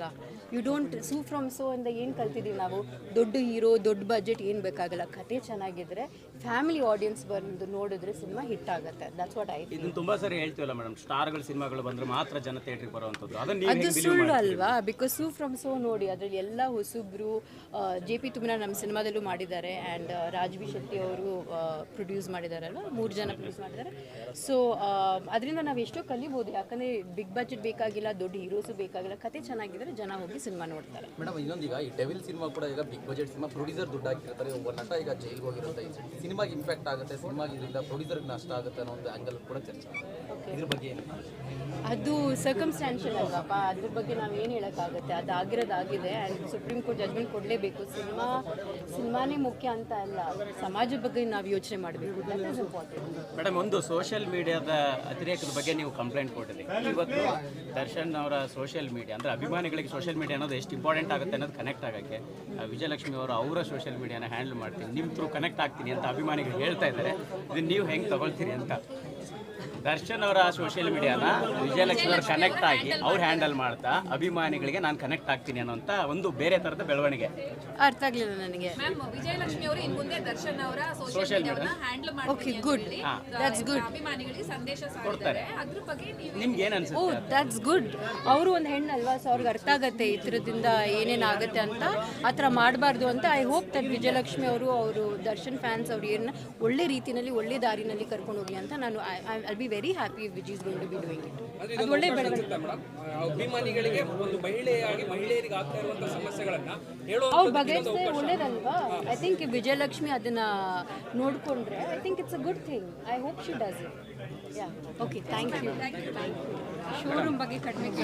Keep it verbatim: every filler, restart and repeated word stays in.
ಬೇಕಾ? You don't sue from so ಇಂದ ಏನು ಕಲ್ತಿದ್ದೀವಿ ನಾವು? ದೊಡ್ಡ ಹೀರೋ, ದೊಡ್ಡ ಬಜೆಟ್ ಏನು ಬೇಕಾಗಲ್ಲ. ಕತೆ ಚೆನ್ನಾಗಿದ್ರೆ ಫ್ಯಾಮಿಲಿ ಆಡಿಯನ್ಸ್ ಬಂದು ನೋಡಿದ್ರೆ ಸಿನಿಮಾ ಹಿಟ್ ಆಗುತ್ತೆ. That's what I feel. ಇದನ್ನ ತುಂಬಾ ಸರಿ ಹೇಳ್ತೀವಲ್ಲ ಮೇಡಮ್, ಸ್ಟಾರ್ಗಳ ಸಿನಿಮಾಗಳು ಬಂದ್ರೆ ಮಾತ್ರ ಜನ ಥಿಯೇಟ್ರಿಗೆ ಬರುವಂಥದ್ದು. ಅದನ್ನ ಅದು ಸುಳ್ಳು ಅಲ್ವಾ? ಬಿಕಾಸ್ ಸೂ ಫ್ರಮ್ ಸೋ ನೋಡಿ, ಅದರಲ್ಲಿ ಎಲ್ಲ ಹೊಸಬ್ರು. ಜೆ ಪಿ ತುಮನ ನಮ್ಮ ಸಿನಿಮಾದಲ್ಲೂ ಮಾಡಿದ್ದಾರೆ ಆ್ಯಂಡ್ ರಾಜ್ಬಿ ಶೆಟ್ಟಿ ಅವರು ಪ್ರೊಡ್ಯೂಸ್ ಮಾಡಿದಾರಲ್ವ, ಮೂರು ಜನ ಪ್ರೊಡ್ಯೂಸ್ ಮಾಡಿದ್ದಾರೆ. ಸೊ ಅದರಿಂದ ನಾವು ಎಷ್ಟೋ ಕಲಿಬೋದು. ಯಾಕಂದರೆ ಬಿಗ್ ಬಜೆಟ್ ಬೇಕಾಗಿಲ್ಲ, ದೊಡ್ಡ ಹೀರೋಸು ಬೇಕಾಗಿಲ್ಲ. ಕತೆ ಚೆನ್ನಾಗಿದ್ರೆ ಜನ ಹೋಗಿ ಸಿನಿಮಾ ನೋಡ್ತಾರೆ. ಮೇಡಮ್, ಇನ್ನೊಂದೀಗ ಈ ಡೆವಿಲ್ ಸಿನಿಮಾ ಕೂಡ ಈಗ ಬಿಗ್ ಬಜೆಟ್ ಸಿನಿಮಾ, ಪ್ರೊಡ್ಯೂಸರ್ ದುಡ್ಡು ಹಾಕಿರ್ತಾರೆ, ಒಬ್ಬ ನಟ ಈಗ ಜೈಲ್ಗೆ ಹೋಗಿರುತ್ತೆ, ಸಿನಿಮಾಗೆ ಇಂಪ್ಯಾಕ್ಟ್ ಆಗುತ್ತೆ, ಸಿನಿಮಾಗೆ ಇದರಿಂದ ಪ್ರೊಡ್ಯೂಸರ್ಗೆ ನಷ್ಟ ಆಗುತ್ತೆ ಅನ್ನೋ ಒಂದು ಆ್ಯಂಗಲ್ ಕೂಡ ಚರ್ಚೆ. ಇದ್ರ ಬಗ್ಗೆ ಏನು? ಅದು ಸರ್ಕಮ್ಸ್ಟ್ಯಾನ್ಷಿಯಲ್ ಅಲ್ವಪ್ಪ, ಅದ್ರ ಬಗ್ಗೆ ನಾವು ಏನು ಹೇಳೋಕ್ಕಾಗುತ್ತೆ? ಅದು ಆಗಿರೋದಾಗಿದೆ ಆ್ಯಂಡ್ ಸುಪ್ರೀಂ ಕೋರ್ಟ್ ಜಜ್ಮೆಂಟ್ ಕೊಡಲೇಬೇಕು. ಸಿನಿಮಾ ಸಿನಿಮಾನೇ ಮುಖ್ಯ ಅಂತ ಅಲ್ಲ, ಸಮಾಜದ ಬಗ್ಗೆ ನಾವು ಯೋಚನೆ ಮಾಡಬೇಕು. That is important. ಮೇಡಮ್, ಒಂದು ಸೋಷಿಯಲ್ ಮೀಡಿಯಾದ ಅತಿರೇಕದ ಬಗ್ಗೆ ನೀವು ಕಂಪ್ಲೇಂಟ್ ಕೊಟ್ಟಿದ್ದೀರಿ. ಇವತ್ತು ದರ್ಶನ್ ಅವರ ಸೋಷಿಯಲ್ ಮೀಡಿಯಾ ಅಂದರೆ ಅಭಿಮಾನಿಗಳಿಗೆ ಸೋಷಿಯಲ್ ಮೀಡಿಯಾ ಅನ್ನೋದು ಎಷ್ಟು ಇಂಪಾರ್ಟೆಂಟ್ ಆಗುತ್ತೆ ಅನ್ನೋದು ಕನೆಕ್ಟ್ ಆಗೋಕ್ಕೆ ವಿಜಯಲಕ್ಷ್ಮಿ ಅವರು ಅವರ ಸೋಷಿಯಲ್ ಮೀಡಿಯಾನ ಹ್ಯಾಂಡಲ್ ಮಾಡ್ತೀನಿ, ನಿಮ್ಮ ಥ್ರೂ ಕನೆಕ್ಟ್ ಆಗ್ತೀನಿ ಅಂತ ಅಭಿಮಾನಿಗಳು ಹೇಳ್ತಾ ಇದ್ದಾರೆ. ಇದನ್ನು ನೀವು ಹೆಂಗೆ ತಗೊಳ್ತೀರಿ ಅಂತ? ದರ್ಶನ್ ಅವರ ಸೋಷಿಯಲ್ ಮೀಡಿಯಾನ ವಿಜಯಲಕ್ಷ್ಮಿ ಅವರು ಕನೆಕ್ಟ್ ಆಗಿ ಅವ್ರು ಹ್ಯಾಂಡಲ್ ಮಾಡ್ತಾ ಅಭಿಮಾನಿಗಳಿಗೆ ನಾನು ಕನೆಕ್ಟ್ ಆಗ್ತೀನಿ ಅನ್ನೋಂಥ ಒಂದು ಬೇರೆ ಥರದ ಬೆಳವಣಿಗೆ. ಅರ್ಥ ಆಗಲಿಲ್ಲ ನನಗೆ. ವಿಜಯಲಕ್ಷ್ಮಿ ಅವರು ಇನ್ನು ಮುಂದೆ ದರ್ಶನ್ ಅವರ ಸೋಷಿಯಲ್ ಮೀಡಿಯಾವನ್ನ ಹ್ಯಾಂಡಲ್ ಓಕೆ, ಮಾಡ್ತಾರೆ. ಗುಡ್. That's good. ಅಭಿಮಾನಿಗಳಿಗೆ ಸಂದೇಶ ಕೊಡ್ತಾರೆ. ಅದ್ರ ಬಗ್ಗೆ ನೀವು ನಿಮ್ಗೆ ಏನು ಓ, ಅನ್ಸುತ್ತೆ? That's good. ಅವರು ಒಂದು ಹೆಣ್ಣಲ್ವಾ, ಸೊ ಅವ್ರಿಗೆ ಅರ್ಥ ಆಗುತ್ತೆ ಈ ಥರದಿಂದ ಏನೇನಾಗುತ್ತೆ ಅಂತ. ಆ ಥರ ಮಾಡಬಾರ್ದು ಅಂತ ಐ ಹೋಪ್ ದಟ್ ವಿಜಯಲಕ್ಷ್ಮಿ ಅವರು ಅವರು ದರ್ಶನ್ ಫ್ಯಾನ್ಸ್ ಅವ್ರು ಏನು ಒಳ್ಳೆ ರೀತಿಯಲ್ಲಿ ಒಳ್ಳೆ ದಾರಿನಲ್ಲಿ ಕರ್ಕೊಂಡು ಹೋಗಿ ಅಂತ ನಾನು I be very happy which is going to be doing it. ಅದು ಒಳ್ಳೆ ಬೆಳವಣಿಗೆ. ಅಭಿಮಾನಿಗಳಿಗೆ ಒಂದು ಮಹಿಳೆಯಾಗಿ ಮಹಿಳೆಯರಿಗೆ ಆಗ್ತಾ ಇರುವಂತಹ ಸಮಸ್ಯೆಗಳನ್ನ ಹೇಳೋ ಅವ್ರು ಬಗೆಹರಿಸಿದ್ರೆ ಒಳ್ಳೇದಲ್ವಾ? ಐ ಥಿಂಕ್ ವಿಜಯಲಕ್ಷ್ಮಿ ಅದನ್ನ ನೋಡಿಕೊಂಡ್ರೆ I think it's a good thing. I hope she does it. Yeah, okay, thank you. Showroom ಬಗ್ಗೆ ಕಡಿಮೆ